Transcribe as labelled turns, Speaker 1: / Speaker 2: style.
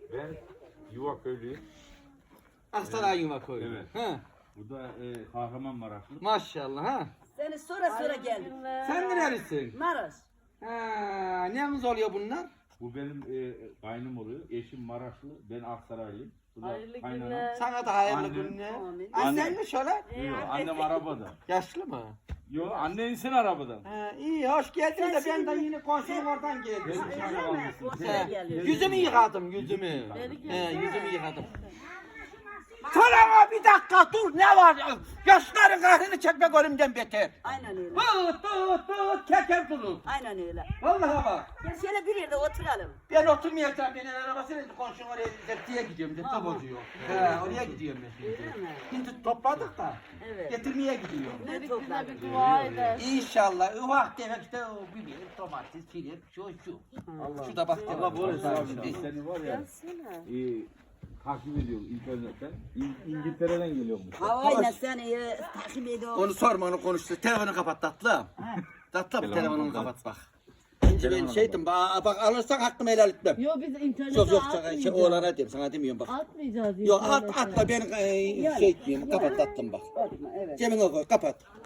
Speaker 1: Ben Yuvaköylüyüm.
Speaker 2: Aksaray Yuvaköy.
Speaker 1: Evet.
Speaker 2: Ha.
Speaker 1: Bu da Kahramanmaraşlı.
Speaker 2: Maşallah ha.
Speaker 3: Seni sonra geldim.
Speaker 2: Sen nerelisin?
Speaker 3: Maraş.
Speaker 2: Ha, neyiniz oluyor bunlar?
Speaker 1: Bu benim kaynım oluyor. Eşim Maraşlı. Ben Aksaraylıyım. Bu da
Speaker 4: Hayırlı
Speaker 1: kaynanam.
Speaker 4: günler.
Speaker 2: Sana da hayırlı
Speaker 1: Annem.
Speaker 2: günler.
Speaker 3: Amin.
Speaker 2: Annen mi şöyle?
Speaker 1: Yok, annem arabada.
Speaker 2: Yaşlı mı?
Speaker 1: Yok, annen insin arabadan.
Speaker 2: Ha, iyi hoş geldin de ben de yine komşum oradan geldim.
Speaker 1: Ben dışarıda kalmışsın.
Speaker 3: Ortaya geldim.
Speaker 2: Yüzümü yıkadım yüzümü.
Speaker 4: Beni
Speaker 2: He, yüzümü yıkadım. Sana bir dakika dur ne var? Yaşların kahrını çekmek ölümden beter.
Speaker 3: Aynen öyle.
Speaker 2: Tut keker durur.
Speaker 3: Aynen öyle.
Speaker 2: Vallahi bak.
Speaker 3: Gel şöyle bir yerde oturalım.
Speaker 2: Ben oturmayacağım. Benim arabasıyla komşum oraya zeptiye gidiyorum. Zepte bozuyor. He, oraya gidiyorum ben şimdi.
Speaker 3: Öyle mi?
Speaker 2: Şimdi topladık da.
Speaker 3: Evet.
Speaker 2: Getirmeye gidiyorum.
Speaker 3: Ne
Speaker 4: Dedik bize
Speaker 3: topladın?
Speaker 4: bir dua eder.
Speaker 2: İnşallah ufak tefek işte o biber, domates, filet, şu. Şu da bak.
Speaker 1: Allah böyle
Speaker 2: Güzel.
Speaker 1: abi seni var ya. Takip ediyorum internetten. İngiltere'den geliyormuş.
Speaker 3: Havayla seni takip ediyorum.
Speaker 2: Onu sorma onu konuştu. Telefonu kapat tatlım. Tatlım telefonunu kapat bak. Ben şeydim bak alırsan hakkımı helal etmem.
Speaker 4: Yok biz internete
Speaker 2: Yok
Speaker 4: atmayacağız.
Speaker 2: oğlana diyeyim sana demiyorum bak.
Speaker 4: Atmayacağız
Speaker 2: Yok
Speaker 4: internete.
Speaker 2: atma ben şey etmeyeyim kapat tatlım bak.
Speaker 3: Atma, evet.
Speaker 2: Cebine koy kapat.